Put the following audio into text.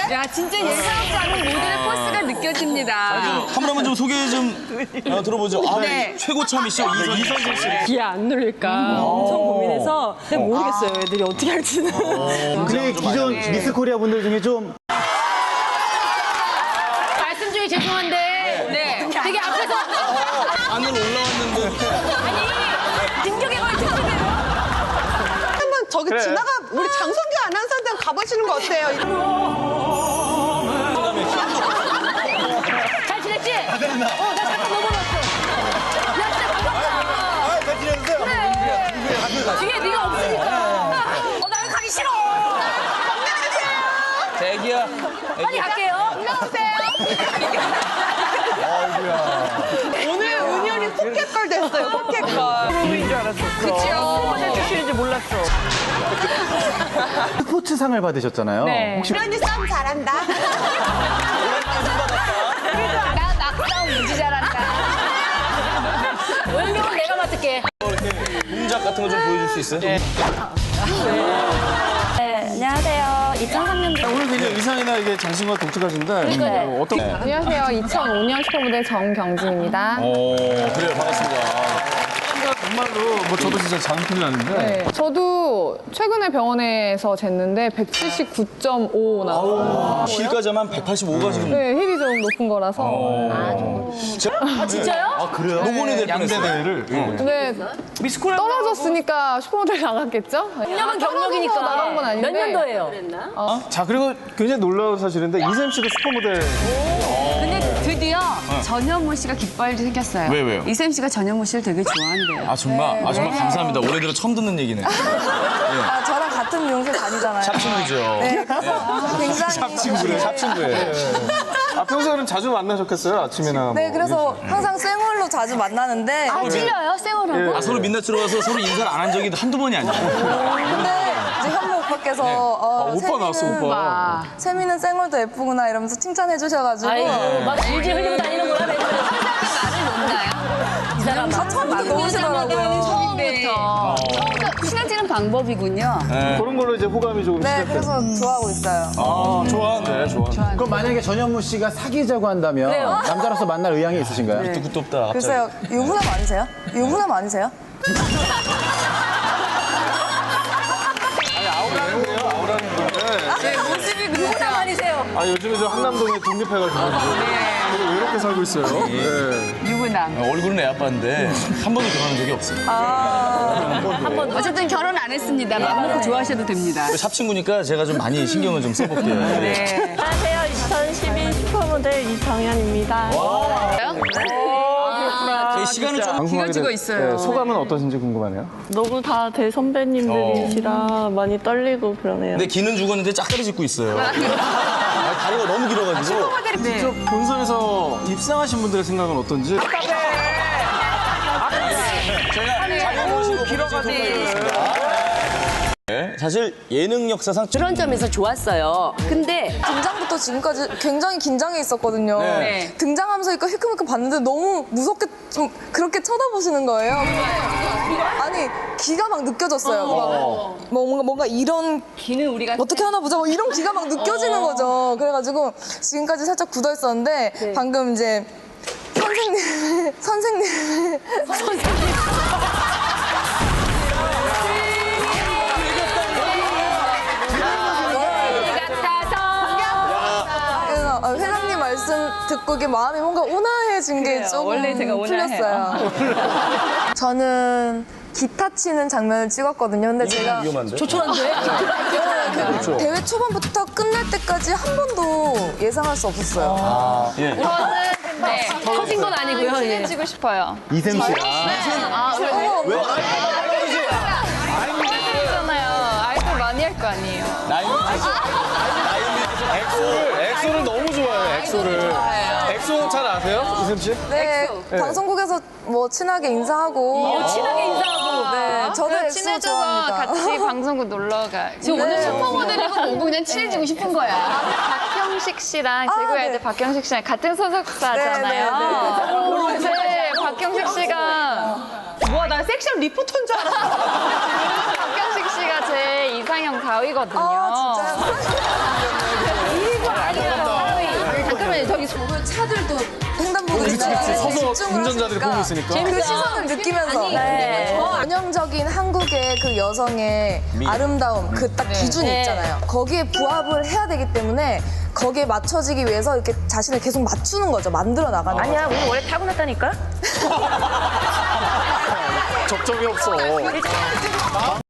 야, 진짜 예상하지 않은 모델의 포스가 느껴집니다. 한 분 한번 좀 소개 좀 들어보죠. 아, 네. 최고참이시죠. 이선진 씨. 귀에 안 눌릴까 엄청 고민해서 근데 모르겠어요. 애들이 어떻게 할지는. 근데 기존 미스 코리아 분들 중에 좀 말씀 중에 죄송한데, 네. 되게 앞에서. 안으로 올라왔는데. 아니, 진격의 거의 특집이에요. 한번 저기 지나가 우리 장성규 아나운서한테 가보시는 거 어때요? 잘 지냈지? 나 잠깐 넘어갔어. 야, 진짜 반갑다. 잘 지내세요? 그래. 뒤에 네가 없으니까. 나 여기 가기 싫어. 대기야. 빨리 갈게요. 오늘 은현이 포켓걸 됐어요. 포켓걸. 프로인 줄 알았어. 그치요. 모델 출신인지 몰랐어. 스포츠상을 받으셨잖아요. 네. 혹시 은현이 싸움 잘한다. 나 낙싸움 무지 잘한다. 원명은 내가 맡을게. 동작 같은 거 좀 보여줄 수 있어요? 네, 안녕하세요. 2003년도 오늘 굉장히 의상이나 이게 장신과 독특하신데 어떤? 안녕하세요. 2005년 슈퍼모델 정경진입니다. 그래요. 반갑습니다. 정말로 뭐 저도 진짜 장난이 나는데 네, 저도 최근에 병원에서 쟀는데 179.5 나왔어요. 힐까지만 185가 지금. 네, 힙이 좀 높은 거라서. 아, 진짜요? 아 그래요? 노곤이 될 양대 뻔했어요. 대회를 근데 미스코리아 떨어졌으니까 슈퍼모델 나갔겠죠? 6년은 경력이니까. 나간 건 아닌데. 몇 년도예요? 자 그리고 굉장히 놀라운 사실인데 이샘 씨도 슈퍼모델 근데 드디어 전현무 씨가 기뻐할 일이 생겼어요. 왜요? 이샘 씨가 전현무 씨를 되게 좋아한대요. 아 정말? 아 정말 감사합니다. 올해 들어 처음 듣는 얘기네. 저랑 같은 미용실 다니잖아요. 샵친구죠. 네, 그래서 굉장히 샵친구래. 샵친구예요. 아 평소에는 자주 만나셨겠어요 아침이나. 네, 뭐 그래서 항상 쌩얼로 자주 만나는데 아, 찔려요? 쌩얼하고? 아 서로 민낯으로 와서 서로 인사를 안 한 적이 한두 번이 아니에요. 근데 이제 현무 오빠께서 오빠 나왔어 오빠. 세미는 쌩얼도 예쁘구나 이러면서 칭찬해 주셔가지고 아이고, 막 질질 흘리고 다니는구나. 내가. 이 사람 처음부터 너무시더라고요. 처음부터 친해지는 방법이군요. 그런 걸로 이제 호감이 조금 네, 시작돼요. 그래서 좋아하고 있어요. 아 좋아하네. 좋아. 그럼 만약에 전현무 씨가 사귀자고 한다면 남자로서 만날 의향이 있으신가요? 굿도 없다. 갑자기. 글쎄요, 유부남 아니세요? 유부남 아니세요? 네, 모습이 누구나 아니세요. 아 요즘에 저 한남동에 독립해가지고 되게 외롭게 살고 있어요. 네. 유부남. 얼굴은 애 아빠인데 한 번도 결혼한 적이 없어요. 어쨌든 결혼 안 했습니다. 마음 놓고 좋아하셔도 됩니다. 샵친구니까 제가 좀 많이 신경을 좀 써볼게요. 네. 안녕하세요. 2012 슈퍼모델 이정현입니다. 시간을 좀 방송하게 길어지고 돼- 있어요. 네, 소감은 어떠신지 궁금하네요. 너무 다 대선배님들이시라 많이 떨리고 그러네요. 근데 기는 죽었는데 짝다리 짚고 있어요. 아, 다리가 너무 길어가지고. 직접 본선에서 입상하신 분들의 생각은 어떤지? 제가 자료 보시고 길어가지고. 네, 사실 예능 역사상 그런 점에서 좋았어요. 근데 등장부터 지금까지 굉장히 긴장해 있었거든요. 네. 등장하면서 힐끔힐끔 봤는데 너무 무섭게 좀 그렇게 쳐다보시는 거예요. 아니 기가 막 느껴졌어요. 막 뭔가 이런 기는 우리가 어떻게 하나 보자 뭐 이런 기가 막 느껴지는 거죠. 그래가지고 지금까지 살짝 굳어 있었는데 방금 이제 선생님 그래서 회장님 말씀 듣고 이게 마음이 뭔가 온화해진 게 조금 원래 제가 온화해요. 풀렸어요. 저는 기타 치는 장면을 찍었거든요. 근데 제가 위험한데? 조촐한데? 대회 초반부터 끝날 때까지 한 번도 예상할 수 없었어요. 예. 네. 터진 건 아니고요. 예. 찍고 싶어요. 이샘 씨가 왜? 아이돌이잖아요. 아이돌 많이 할 거 아니에요. 엑소를 너무 좋아해요. 엑소를. 엑소 잘 아세요, 이샘 씨? 네, 방송국에서 뭐 친하게 인사하고 친하게 인사하고. 네, 저도 엑소 친해져서 좋아합니다. 같이 방송국 놀러 가. 지금 오늘 슈퍼모델이고 오고 그냥 친해지고 싶은 거야. 박형식 씨랑 제구의 네. 아이들 박형식 씨랑 같은 소속사잖아요. 네, 박형식 씨가 뭐야 나 섹시한 리포터인 줄 알았어. 박형식 씨가 제 이상형 가위거든요. 아, 진짜요? 집중을 운전자들이 보고 있으니까. 그 시선을 느끼면서 전형적인 한국의 그 여성의 아름다움 그 딱 기준이 있잖아요. 거기에 부합을 해야 되기 때문에 거기에 맞춰지기 위해서 이렇게 자신을 계속 맞추는 거죠. 만들어 나가는 거죠. 아니야, 우리 원래 타고났다니까? 접점이 없어.